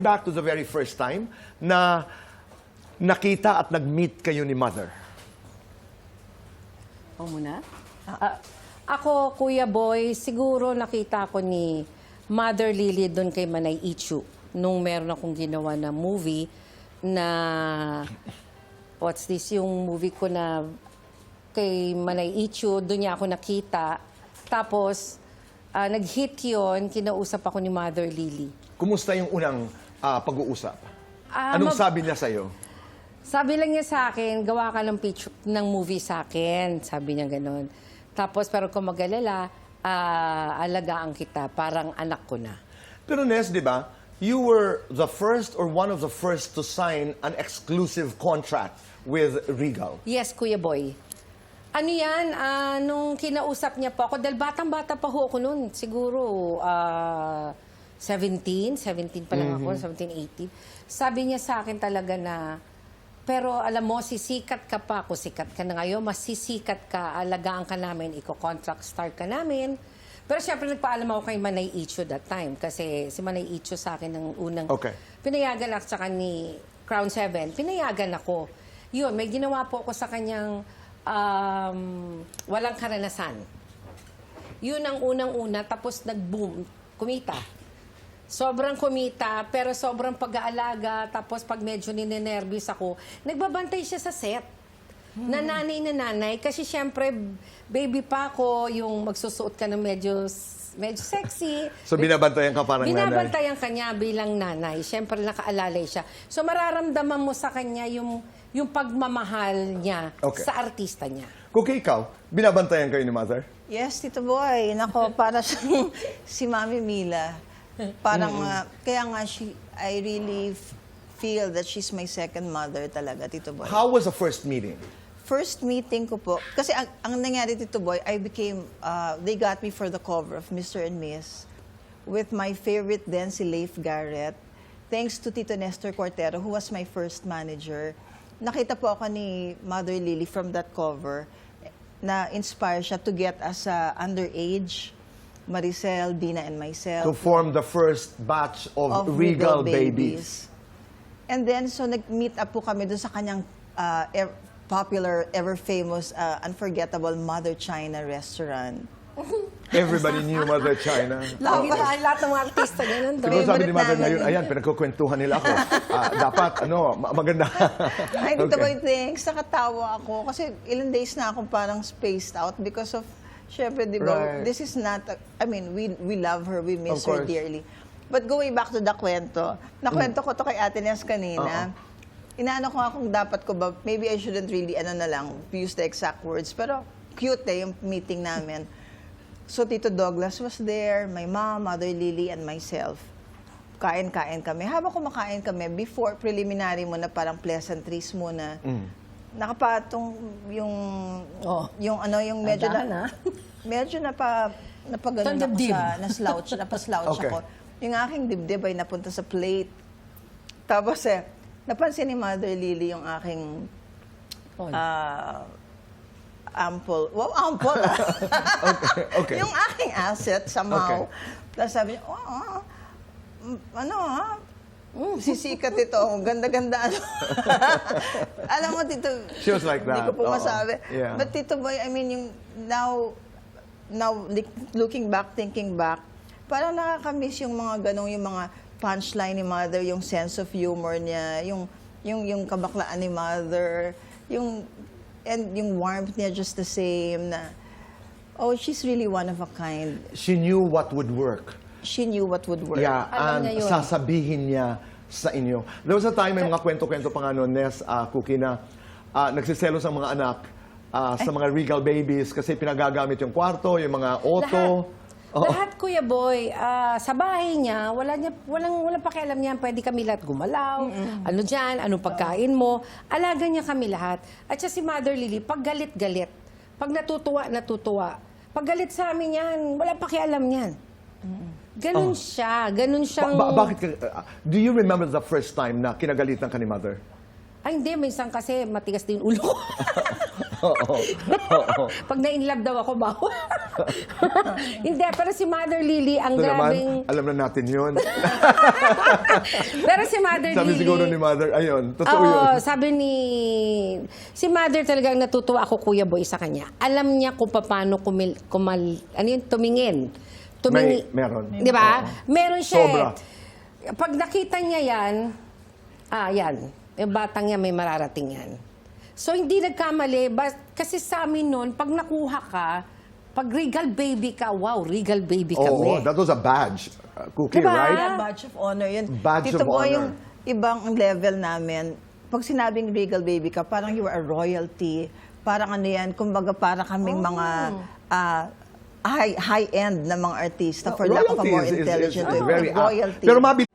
Back to the very first time na nakita at nag-meet kayo ni Mother. Ako muna? Ako, Kuya Boy, siguro nakita ko ni Mother Lily doon kay Manay Ichu nung meron akong ginawa na movie na, what's this, yung movie ko na kay Manay Ichu, doon niya ako nakita. Tapos, nag-hit yun, kinausap ako ni Mother Lily. Kumusta yung unang pag-uusap? Anong sabi niya sa'yo? Sabi lang niya sa akin, gawa ka ng picture ng movie sa akin. Sabi niya gano'n. Tapos, pero kung mag-alala, alagaan kita, parang anak ko na. Pero Nes, di ba, you were the first or one of the first to sign an exclusive contract with Regal. Yes, Kuya Boy. Ano yan, nung kinausap niya po ako, dahil batang-bata pa ho ako noon, siguro 17 pa lang ako, 17, 18. Sabi niya sa akin talaga na, pero alam mo, sisikat ka pa, ako sikat ka na ngayon, mas sisikat ka, alagaan ka namin, iko-contract start ka namin. Pero siyempre nagpaalam ako kay Manay Icho that time, kasi si Manay Icho sa akin ng unang pinayagan ako sa ni Crown 7, pinayagan ako. Yun, may ginawa po ako sa kanyang walang karanasan. Yun ang unang-una, tapos nag-boom, kumita. Sobrang kumita, pero sobrang pag-aalaga. Tapos pag medyo ninenervous ako, nagbabantay siya sa set. Na nanay. Kasi syempre, baby pa ako, yung magsusuot ka ng medyo sexy. So binabantayan ka parang nanay? Binabantayan ka niya bilang nanay. Syempre nakaalalay siya. So mararamdaman mo sa kanya yung pagmamahal niya sa artista niya. Kung ikaw, binabantayan kayo ni Mother? Yes, Tito Boy. Nako, para siyang si Mami Mila. Parang, kaya nga, I really feel that she's my second mother talaga, Tito Boy. How was the first meeting? First meeting ko po, kasi ang nangyari, Tito Boy, they got me for the cover of Mr. and Miss with my favorite then, si Leif Garrett. Thanks to Tito Nestor Cortero, who was my first manager. Nakita po ako ni Mother Lily from that cover na inspire siya to get us underage, Maricel, Dina, and myself. To form the first batch of Regal babies. And then, so nag-meet up po kami doon sa kanyang popular, ever-famous, unforgettable Mother China restaurant. Everybody knew Mother China. Lahat ng mga artista niya nandun. Siguro sabi ni Mother ngayon, ayan, pinagkukwentuhan nila ako. Dapat, maganda. Ay, Tito Boy, thanks. Nakatawa ako. Kasi ilang days na akong parang spaced out because of, syempre, di ba, this is not, we love her, we miss her dearly. But going back to the kwento, nakwento ko to kay Ate Nes kanina. Inaano ko nga kung dapat ko ba, maybe I shouldn't really, use the exact words, pero cute yung meeting namin. So, Tito Douglas was there, my mom, Mother Lily, and myself. Kain-kain kami. Habang kumakain kami, before preliminary muna, parang pleasantries muna, nakapatong yung medyo napagano ako napaslouch ako. Yung aking dibdib ay napunta sa plate. Tapos napansin ni Mother Lily yung aking ample. Wow, ample. Okay. Yung aking asset somehow. Tapos sabi niya, sisikat ito. Ganda-ganda. Alam mo, Tito, she was like that. Hindi ko po masabi. Yeah. But Tito Boy, now looking back, thinking back, parang nakakamiss yung mga ganong, yung mga punchline ni Mother, yung sense of humor niya, yung kabaklaan ni Mother, yung warmth niya just the same na, she's really one of a kind. She knew what would work. She knew what would work. Yeah, and sasabihin niya sa inyo. There was a time, may mga kwento-kwento pa nga noon, Nes, Cookie, na nagsiselos ang mga anak sa mga Regal babies kasi pinagagamit yung kwarto, yung mga auto. Lahat, Kuya Boy, sa bahay niya, walang pakialam niya, pwede kami lahat gumalaw, ano dyan, anong pagkain mo, alaga niya kami lahat. At siya si Mother Lily, pag galit-galit, pag natutuwa, pag galit sa amin yan, walang pakialam niyan. Ganun siya, ganun siyang... Bakit do you remember the first time na kinagalitan ka ni Mother? Ay, hindi, minsan kasi matigas din ulo ko. Oo. Pag na-inlove daw ako, bawal. Hindi, pero si Mother Lily, ang Ito naman, grabing... alam na natin yun. Pero si Mother Sabi Lily... siguro ni Mother, ayun, totoo Oo, yun. sabi ni... Si Mother talagang natutuwa ako, Kuya Boy, sa kanya. Alam niya kung paano tumingin. Meron. Di ba? Meron siya. Sobra. Pag nakita niya yan, yan. Yung batang yan, may mararating yan. So, hindi nagkamali. Kasi sa amin noon, pag nakuha ka, pag regal baby ka, wow, regal baby Oo, kami. that was a badge. Cookie, Diba? right? Yeah, badge of honor yun. Badge Tito of Boy, honor. yung ibang level namin, pag sinabing regal baby ka, parang you are a royalty. Parang ano yan, kumbaga para kaming mga high-end na mga artista. For lack of a more Royalty is intelligent way. very apt. Royalty. Pero